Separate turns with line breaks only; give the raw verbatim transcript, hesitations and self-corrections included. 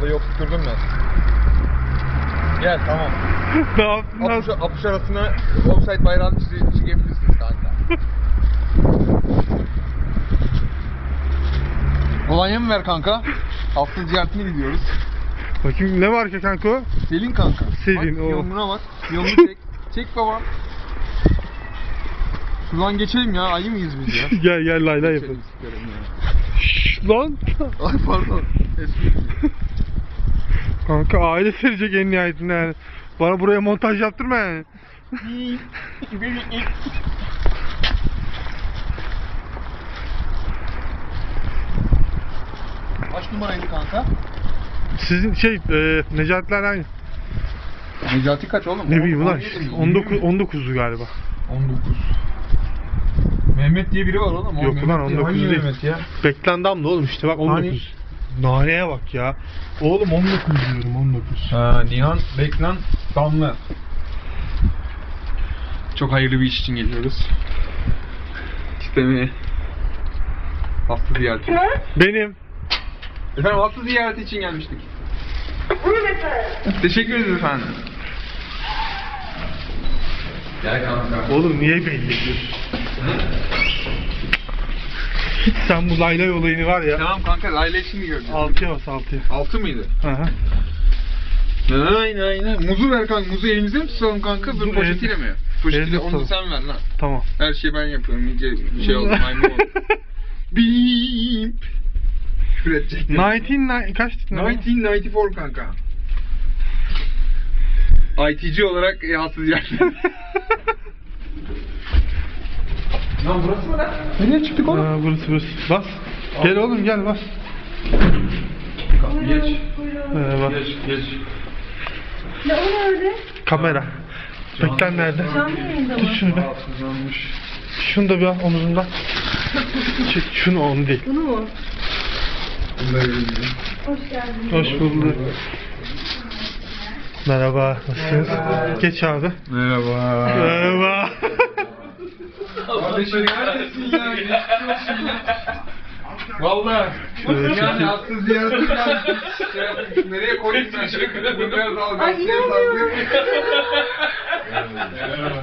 Lambayı oturtturdum ben. Gel tamam.
Ne yaptın lan?
Apış, apış arasına offside bayrağını çize- çizebilirsiniz kanka. Kolonya mı ver kanka? Hafta ziyaretine gidiyoruz.
Bakayım ne var ki kanka o?
Selin kanka.
Selin,
bak,
o.
Yoluna bak. Yolunu çek. Çek baba. Şuradan geçelim ya. Ayı mıyız biz ya?
Gel gel lay lay
Geçelim
yapalım.
sikerim ya.
Şşş lan.
Ay pardon. Espri.
Kanka aile serecek en nihayetinde yani. Bana buraya montaj yaptırma yani.
Kaç numaraydı kanka?
Sizin şey e, Necatiler aynı.
Necati kaç oğlum?
Ne bileyim ulan.
on yedi mi?
on dokuz on dokuzdu galiba.
on dokuz. Mehmet diye biri var oğlum. O
Yok
Mehmet
ulan on
değil.
dokuz
Hangi
değil.
Mehmet ya?
Beklendim da oğlum işte bak on dokuz. Naneye bak ya. Oğlum on dokuz diyorum on dokuz.
Ha, Nihan Beklan Damla. Çok hayırlı bir iş için geliyoruz. İstemeye. Hasta ziyareti.
Benim.
Efendim hasta ziyareti için gelmiştik.
Buyurun efendim.
Teşekkür ederiz efendim. Gel kanka.
Oğlum niye belli ediyorsun? Hiç sen bu laylay olayını var ya.
Tamam kanka Layla için mi gördün?
Altıya bas altıya.
Altı mıydı?
Aha.
Aynen aynen. Muzu ver kanka. Muzu elimizde mi tutalım kanka?
Muzu
Dur poşetiyle
el-
mi? Poşetiyle
elde
onu
tutalım.
sen ver lan.
Tamam.
Her şeyi ben yapıyorum. İyice şey oldu. Maymun oldu. Beep. Küfür edecektim.
Nineteen kaçtı?
bin dokuz yüz doksan dört kanka. I T C olarak e, hassız yer. Lan burası mı lan? Nereye çıktık oğlum?
Aa, burası burası. Bas. Gel oğlum gel bas.
Geç.
Ee, bas.
Geç, geç.
Ne o nerede?
Kamera. Beklen nerede?
Canlı yayında mı?
Tut şunu be.
Rahatsızlanmış.
Şunu da bir al omuzundan. Çek şunu onu değil.
Bunu mu?
Bunları bilmiyorum.
Hoş geldin.
Hoş bulduk. Merhaba. Nasılsınız? Geç abi.
Merhaba.
Merhaba.
Kardeşim neredesin ya? Geçmiş olsun ya. Valla.
Evet,
Yani
çekil.
hasta ziyareti gelmiş. Şey yapmış. Nereye koyayım ben? Bunu biraz al.
Ay,
gazeteye
inanmıyorum.
sallayayım.